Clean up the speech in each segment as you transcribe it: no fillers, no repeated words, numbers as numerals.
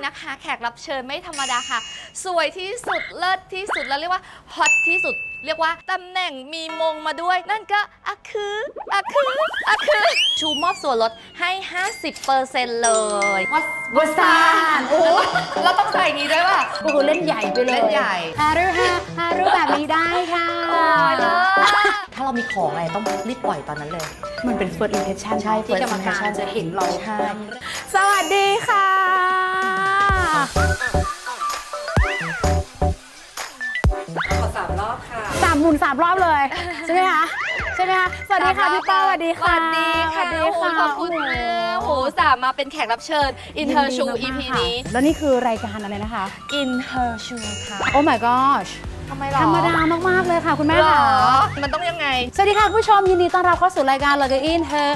นะคะแขกรับเชิญไม่ธรรมดาค่ะสวยที่สุดเลิศที่สุดแล้วเรียกว่าฮอตที่สุดเรียกว่าตำแหน่งมีมงมาด้วยนั่นก็คือชูมอบส่วนลดให้ 50% เลยวัสานโอ้เราต้องใส่นี้ด้วยป่ะโหเล่นใหญ่ไปเลยเล่นใหญ่ฮารุแบบนี้ได้ค่ะถ้าเรามีของอะไรต้องรีบปล่อยตอนนั้นเลยมันเป็น first impression ใช่ที่ first กรรมการ impression จะเห็นเราใช่สวัสดีค่ะขอ3 รอบค่ะ 3 หมุน 3 รอบเลยใช่ไหมคะสวัสดีค่ะพี่ป้าสวัสดีค่ะสวัสดีค่ะสวัสดีค่ะขอบคุณมากโหสามมาเป็นแขกรับเชิญ In Her Shoe EP นี้แล้วนี่คือรายการอะไรนะคะ In Her Shoe ค่ะโอ้ my gosh ทำไมหรอธรรมดามากๆเลยค่ะคุณแม่หรค่ะอมันต้องยังไงสวัสดีค่ะคุณผู้ชมยินดีต้อนรับเข้าสู่รายการ Log In Her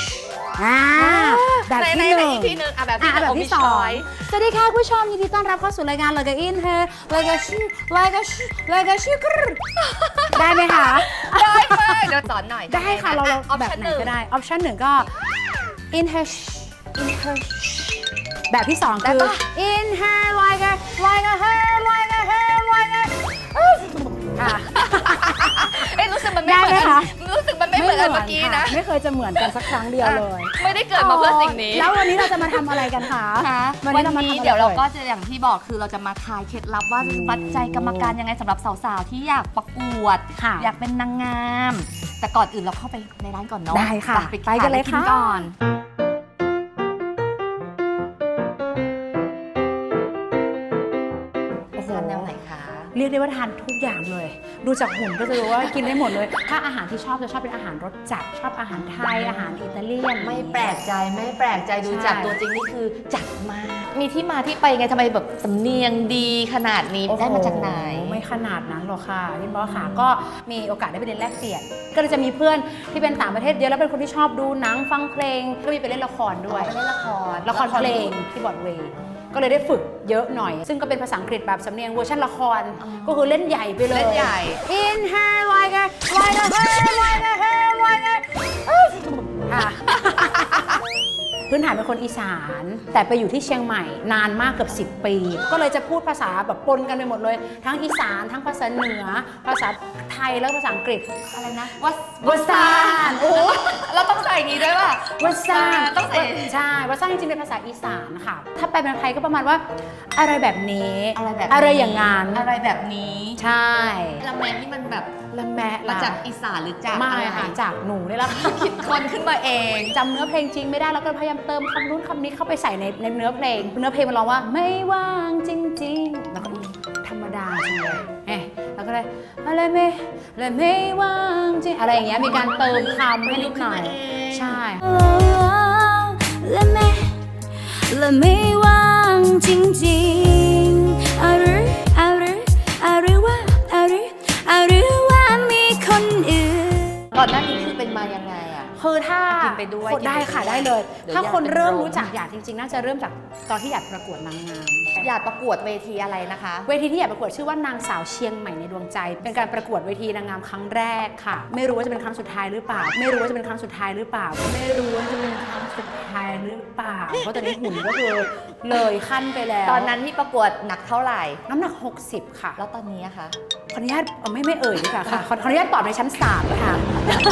แบบที่หนึ่งอีกทีหนึ่งแบบที่แบบที่สองสวัสดีค่ะคุณผู้ชมยินดีต้อนรับเข้าสู่รายการ Log In Her ได้ไหมคะได้ไหมเดี๋ยวสอนหน่อยได้ค่ะเราออปแบบชั่นไหหนนึ่งก็ได้ออปชั่นหนึ่งก็ in herแบบที่สองคือ in her like aค่ะรู้สึกมันไม่เหมือนได้ไหมกัคะนรู้สึกมันไม่เหมือนกันเมื่อกี้นะไม่เคยจะเหมือนกันสักครั้งเดียวเลยไม่ได้เกิดมาเพื่อสิ่งนี้แล้ววันนี้เราจะมาทำอะไรกันคะวันนี้เดี๋ยวเราก็จะอย่างที่บอกคือเราจะมาทายเคล็ดลับว่าวัดใจกรรมการยังไงสำหรับสาวๆที่อยากประกวดค่ะอยากเป็นนางงาม แต่ก่อนอื่นเราเข้าไปในร้านก่อนเนาะได้ค่ะไปกันเลยค่ะก่อน ทานแนวไหนคะเรียกได้ว่าทานทุกอย่างเลย ดูจากหุ่นก็จะรู้ว่ากินได้หมดเลย ถ้าอาหารที่ชอบจะชอบเป็นอาหารรสจัด ชอบอาหารไทย อาหารอิตาเลียนไม่แปลกใจดูใช่จากตัวจริงนี่คือจัดมากมีที่มาที่ไปไงทำไมแบบสำเนียงดีขนาดนี้ได้มาจากไหนไม่ขนาดนั้นหรอกค่ะพี่บอสค่ะ ก็มีโอกาสได้ไปเรียนแลกเปลี่ยน ก็เลยจะมีเพื่อนที่เป็นต่างประเทศเยอะแล้วเป็นคนที่ชอบดูหนังฟังเพลง ก็มีไปเล่นละครด้วยไปเล่นละครเพลงที่บอร์ดเวย์ก็เลยได้ฝึกเยอะหน่อย ซึ่งก็เป็นภาษาอังกฤษแบบสำเนียงเวอร์ชันละคร ก็คือเล่นใหญ่ไปเลยเล่นใหญ่ In her like aค่ะ พื้นฐานเป็นคนอีสาน แต่ไปอยู่ที่เชียงใหม่นานมากเกือบ10 ปี ก็เลยจะพูดภาษาแบบปนกันไปหมดเลย ทั้งอีสานทั้งภาษาเหนือ ภาษาไทยแล้วภาษาอังกฤษอะไรนะวัสานโอ้เราต้องใส่นี้ด้วยป่ะวัสานต้องใส่ใช่วัสานจริงๆเป็นภาษาอีสานค่ะ ถ้าแปลเป็นไทยก็ประมาณว่า อะไรแบบนี้ อะไรอย่างงานอะไรแบบนี้ใช่ละแมงนี่มันแบบละแมะมาจากอีสานหรือจากไม่อะไรค่ะจากหนูนี่แหละค่ะคิดคนขึ้นมาเองจำเนื้อเพลงจริงไม่ได้แล้วก็พยายามเติมคำนู้นคำนี้เข้าไปใส่ในเนื้อเพลงมันร้องว่าไม่ว่างจริงๆแล้วก็ธรรมดาจังเลยแล้วก็เลยอะไรไม่ว่างจริงอะไรอย่างเงี้ยมีการเติมคำให้นิดหน่อยใช่และไม่ว่างจริงๆหรือว่ามีคนอื่นก่อนหน้านี้คือเป็นมายังไงอ่ะคือถ้ากินไปด้วยคนได้ค่ะกินไปด้วยได้เลยเดี๋ยวถ้าคนอยากเป็นเริ่มโรครู้จักหยาดจริงๆ น่าจะเริ่มจากตอนที่หยาดประกวดนางงามอยากประกวดเวทีอะไรนะคะเวทีที่หยาดประกวดชื่อว่านางสาวเชียงใหม่ในดวงใจ เป็นการประกวดเวทีนางงามครั้งแรกค่ะ ไม่รู้ว่าจะเป็นครั้งสุดท้ายหรือเปล่า เพราะตอนนี้หุ่นก็คือเลยขั้นไปแล้วตอนนั้นที่ประกวดหนักเท่าไหร่น้ำหนัก 60 ค่ะแล้วตอนนี้อะคะขออนุญาตไม่เอ่ยดีกว่าค่ะ ขออนุญาตตอบในชั้น3ค่ะ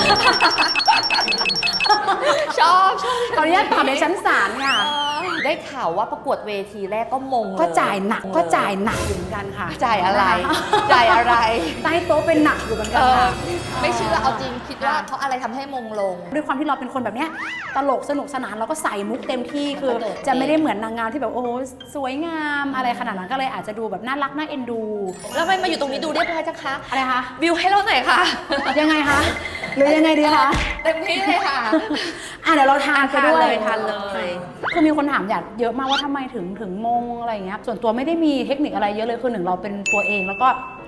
ชอบขออนุญาตตอบในชั้น3ค่ะได้ข่าวว่าประกวดเวทีแรกก็มงเลยก็จ่ายหนักอยู่เหมือนกันค่ะจ่ายอะไร จ่ายอะไรใต้โต๊ะเป็นหนักอยู่เหมือนกันค่ะไม่เชื่อเอาจริงคิดว่าเพราะอะไรทำให้มงลงด้วยความที่เราเป็นคนแบบเนี้ยตลกสนุกสนานเราก็ใส่มุกเต็มที่คือตลกจะไม่ได้เหมือนนางงามที่แบบโอ้โหสวยงามอะไรขนาดนั้นก็เลยอาจจะดูแบบน่ารักน่าเอ็นดูแล้วทำไมมาอยู่ตรงนี้ดูเรียบร้อยจังคะอะไรคะวิวให้เราหน่อยค่ะยังไงคะหรือยังไงดีคะเต็มที่เลยค่ะเดี๋ยวเราทานไปด้วยทานเลยคือมีคนถามอยากเยอะมากว่าทำไมถึงมงอะไรอย่างเงี้ยส่วนตัวไม่ได้มีเทคนิคอะไรเยอะเลยคือหนึ่งเราเป็นตัวเองแล้วก็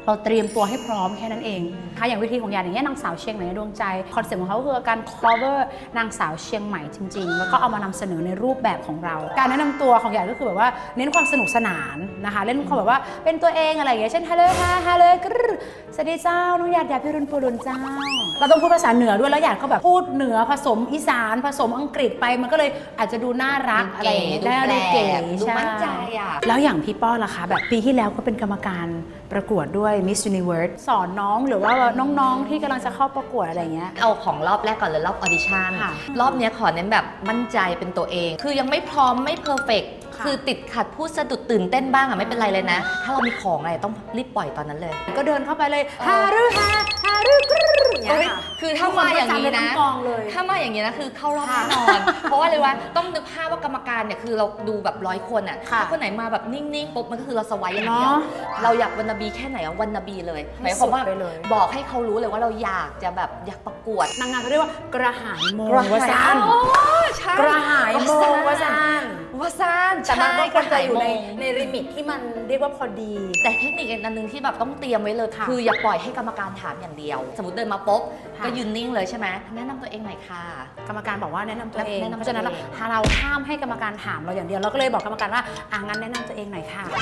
เราเตรียมตัวให้พร้อมแค่นั้นเองค่ะอย่างวิธีของหยาดอย่างเงี้ยนางสาวเชียงใหม่ในดวงใจคอนเซ็ปต์ของเขาคือการ cover นางสาวเชียงใหม่จริงๆแล้วก็เอามานำเสนอในรูปแบบของเราการแนะนำตัวของหยาดก็คือแบบว่าเน้นความสนุกสนานนะคะเล่นความแบบว่าเป็นตัวเองอะไรอย่างเงี้ยเช่นฮัลโหลค่ะฮัลโหลกรึสวัสดีเจ้าน้องหยาดพิรุณปูรุนเจ้าเราต้องพูดภาษาเหนือด้วยแล้วหยาดก็แบบพูดเหนือผสมอีสานผสมอังกฤษไปมันก็เลยอาจจะดูน่ารักอะไรอย่างเงี้ยได้ดูเก๋ดูมั่นใจอ่ะแล้วอย่างพี่ป้อนล่ะคะแบบปีที่แล้วก็เป็นกรรมการประกวดด้วย Miss Universe สอนน้องหรือว่าน้องๆที่กำลังจะเข้าประกวดอะไรเงี้ยเอาของรอบแรกก่อนเลยรอบออดิชั่นค่ะรอบเนี้ยขอเน้นแบบมั่นใจเป็นตัวเอง คือยังไม่พร้อมไม่เพอร์เฟกค่ะคือติดขัดพูดสะดุดตื่นเต้นบ้างอะไม่เป็นไรเลยนะ ถ้าเรามีของอะไรต้องรีบปล่อยตอนนั้นเลยก็เดินเข้าไปเลยฮารุฮากรึอย่างเงี้ยค่ะคือถ้ามาอย่างนี้ทุกคก็จำเป็นะทั้งกองเลยถ้ามาอย่างนี้นะคือเข้ารอบค่ะแน่นอน เพราะว่าเลยว่าต้องนึกภาพว่ากรรมการเนี่ยคือเราดูแบบ100 คนอ่ะค่ะถ้าคนไหนมาแบบนิ่งๆปุ๊บมันก็คือเราสวายอย่างเดียวเนาะเราอยากวันนาบีแค่ไหนอะวันนาบีเลยหให้มายความว่าสุดไปเลยบอกให้เขารู้เลยว่าเราอยากจะแบบอยากประกวดนางงามเขาเรียกว่ากระหายโมกระวาหายซานโอ้ใช่กระหายโมวาซานวาซานแต่มันก็ควรจะอยู่ในใช่ในลิมิตที่มันเรียกว่าพอดีแต่เทคนิคอีกอันหนึงที่แบบต้องเตรียมไว้เลยค่ะคืออย่าปล่อยให้กรรมการถามอย่างเดียว สมมติเดินมาปุ๊บค่ะก็ยืนนิ่งเลยใช่ไหมแนะนำตัวเองหน่อยค่ะกรรมการบอกว่าแนะนำตัวเองแนะนำตัวเองเพราะฉะนั้นเราห้ามให้กรรมการถามเราอย่างเดียวเราก็เลยบอกกรรมการว่างั้นแนะนำตัวเองหน่อยค่ะ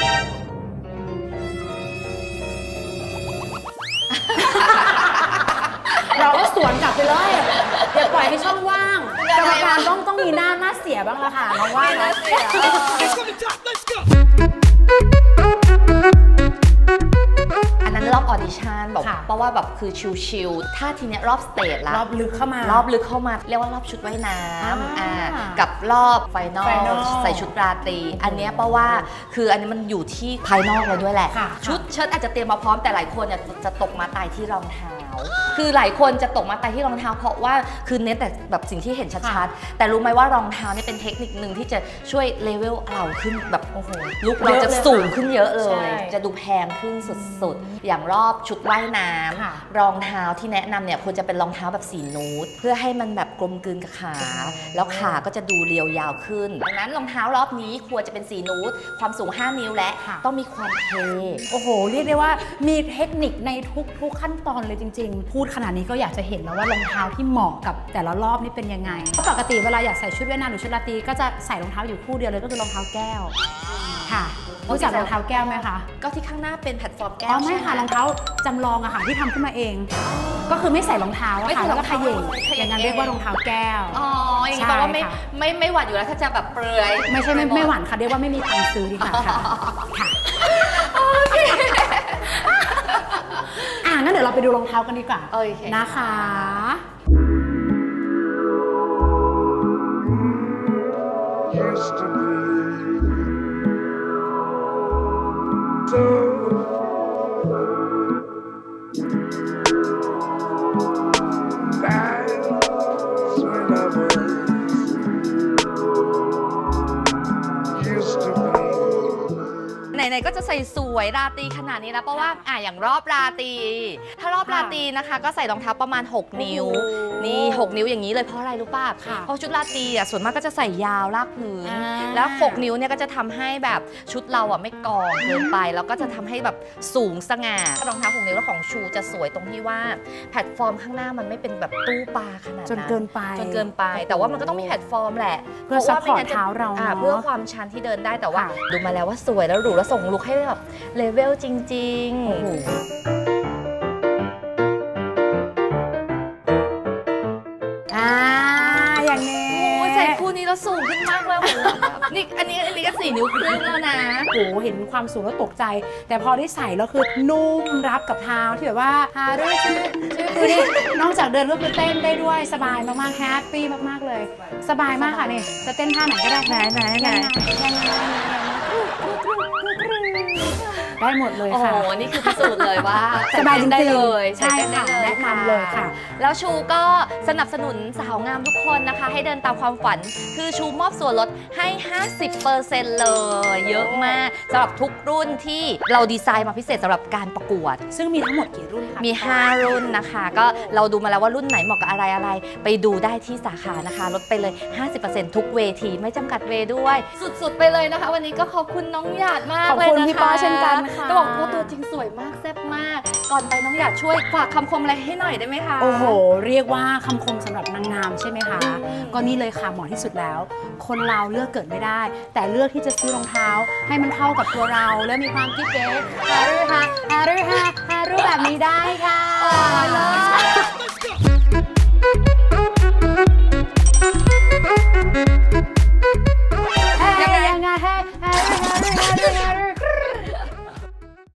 เราก็สวนกลับไปเลยอย่าปล่อยให้ช่องว่างกรรมการต้องมีหน้าเสียบ้างละค่ะน้องว่านะอันนั้นรอบออดิชั่นแบบค่ะเพราะว่าแบบคือชิลๆถ้าทีเนี้ยรอบสเตจละรอบลึกเข้ามารอบลึกเข้ามาเรียกว่ารอบชุดว่ายน้ำอ่ากับรอบไฟนอล Final ใส่ชุดราตรีอันเนี้ยเพราะว่าคืออันนี้มันอยู่ที่ภายนอกเราด้วยแหละค่ะชุดเชิ้ตอาจจะเตรียมมาพร้อมแต่หลายคนเนี่ยจะตกมาตายที่รองเท้า คือหลายคนจะตกมาตายที่รองเท้า เพราะว่าคือเน้นแต่แบบสิ่งที่เห็นชัดๆแต่รู้ไหมว่ารองเท้าเนี่ยเป็นเทคนิคหนึ่งที่จะช่วยเลเวลเราขึ้นแบบโอ้โหลุกเราจะสูงขึ้นเยอะเลยใช่จะดูแพงขึ้นสุดๆอย่างรอบชุดว่ายน้ำค่ะรองเท้าที่แนะนำเนี่ยควรจะเป็นรองเท้าแบบสีนูดเพื่อให้มันแบบกลมกลืนกับขา แล้วขาก็จะดูเรียวยาวขึ้นดังนั้นรองเท้ารอบนี้ควรจะเป็นสีนูดความสูง 5 นิ้วและค่ะต้องมีความเท่โอ้โห เรียกได้ว่ามีเทคนิคในทุกขั้นตอนเลยจริง ๆ พูดขนาดนี้ก็อยากจะเห็นแล้วว่ารองเท้าที่เหมาะกับแต่ละรอบนี่เป็นยังไงเพราะปกติเวลาอยากใส่ชุดว่ายน้ำหรือชุดราตรีก็จะใส่รองเท้าอยู่คู่เดียวเลยก็คือรองเท้าแก้วค่ะรู้จักรองเท้าแก้วไหมคะก็ที่ข้างหน้าเป็นแพลตฟอร์มแก้อ๋วอไม่ค่ะใช่หรองเท้าจำลองอะค่ะที่ทำขึ้นมาเอง ก็คือไม่ใส่รองเท้าอะไม่ค่ะใส่แล้วก็รองขเท้าย่งขย่งอย่างนั้นเรียกว่ารองเท้าแก้วอ๋ออย่างนี้ใช่แปลว่าไม่ค่ะไม่หวั่นอยู่แล้วถ้าจะแบบเปลือยไม่ใช่ไม่หวานค่ะเรียกว่าไม่มีตังค์ซื้อดีกว่าค่ะค่ะงั้นเดี๋ยวเราไปดูรองเท้ากันดีกว่าโอเคนะคะ used to be. So that's when I was used to be. ไหนๆก็จะใส่สวยราตรีขนาดนี้แล้วเพราะว่าอย่างรอบราตรีถ้ารอบราตรีนะคะ ก็ใส่รองเท้าประมาณ 6 นิ้วโอ้โหนี่ 6 นิ้วอย่างนี้เลยเพราะอะไรรู้ป่ะค่ะเพราะชุดราตรีส่วนมากก็จะใส่ยาวลากพื้นอ่าแล้ว 6 นิ้วเนี่ยก็จะทำให้แบบชุดเราไม่กองเกินไป แล้วก็จะทำให้แบบสูงสง่ารองเท้า 6 นิ้วแล้วของชูจะสวยตรงที่ว่าแพลตฟอร์มข้างหน้ามันไม่เป็นแบบตู้ปลาขนาดนั้นจนเกินไปจนเกินไป แต่ว่ามันก็ต้องมีแพลตฟอร์มแหละเพื่อพะว่ไม่งั้น support เท้าเราจะเนอะเพื่อความชันที่เดินได้แต่ว่าค่ะดูมาแล้วว่าสวยแล้วหรูแล้วส่งลุคให้แบบเลเวลจริงๆโอ้โหอย่างนี้โอ้ยใส่คู่นี้แล้วสูงขึ้นมากเลยโอ้โหนี่อันนี้ก็4 นิ้วครึ่งแล้วนะโอ้โหเห็นความสูงแล้วตกใจ แต่พอได้ใส่แล้วคือนุ่มรับกับเท้าที่แบบว่าฮาด้วยชื่อคือนี่นอกจากเดินก็คือเต้นได้ด้วยสบายมากๆแฮปปี้มากๆเลย สบายมากค่ะนี่จะเต้นท่าไหนก็ได้ไหนได้หมดเลยโอ้โหค่ะนี่คือพิสูจน์เลยว่าสบายจริงๆได้เลยใช่ค่ะใส่เต้นได้แนะนำเลยค่ะแล้วชูก็สนับสนุนสาวงามทุกคนนะคะ ให้เดินตามความฝัน คือชูมอบส่วนลดให้ 50% เลย เยอะมากสำหรับทุกรุ่นที่เราดีไซน์มาพิเศษสำหรับการประกวดซึ่งมีทั้งหมดกี่รุ่นคะมี 5 รุ่นนะคะ ก็เราดูมาแล้วว่ารุ่นไหนเหมาะกับอะไร ไปดูได้ที่สาขานะคะ ลดไปเลย 50% ทุกเวทีไม่จำกัดเวด้วย สุดๆ ไปเลยนะคะ วันนี้ก็ขอบคุณน้องหยาดมากขอบเลยคุณนะคะพี่ปอเช่นกันค่ะจะบอกว่าตัวจริงสวยมากแซ่บมาก ก่อนไปน้องหยาดช่วยฝากคำคมอะไรให้หน่อยได้ไหมคะโอ้โห เรียกว่าคำคมสำหรับนางงามใช่ไหมคะ ก็นี่เลยค่ะเหมาะที่สุดแล้ว คนเราเลือกเกิดไม่ได้ แต่เลือกที่จะซื้อรองเท้า ให้มันเข้ากับตัวเรา และมีความกิ๊บเก๋ฮารุแบบนี้ได้ค่ะอ๋อเลิศ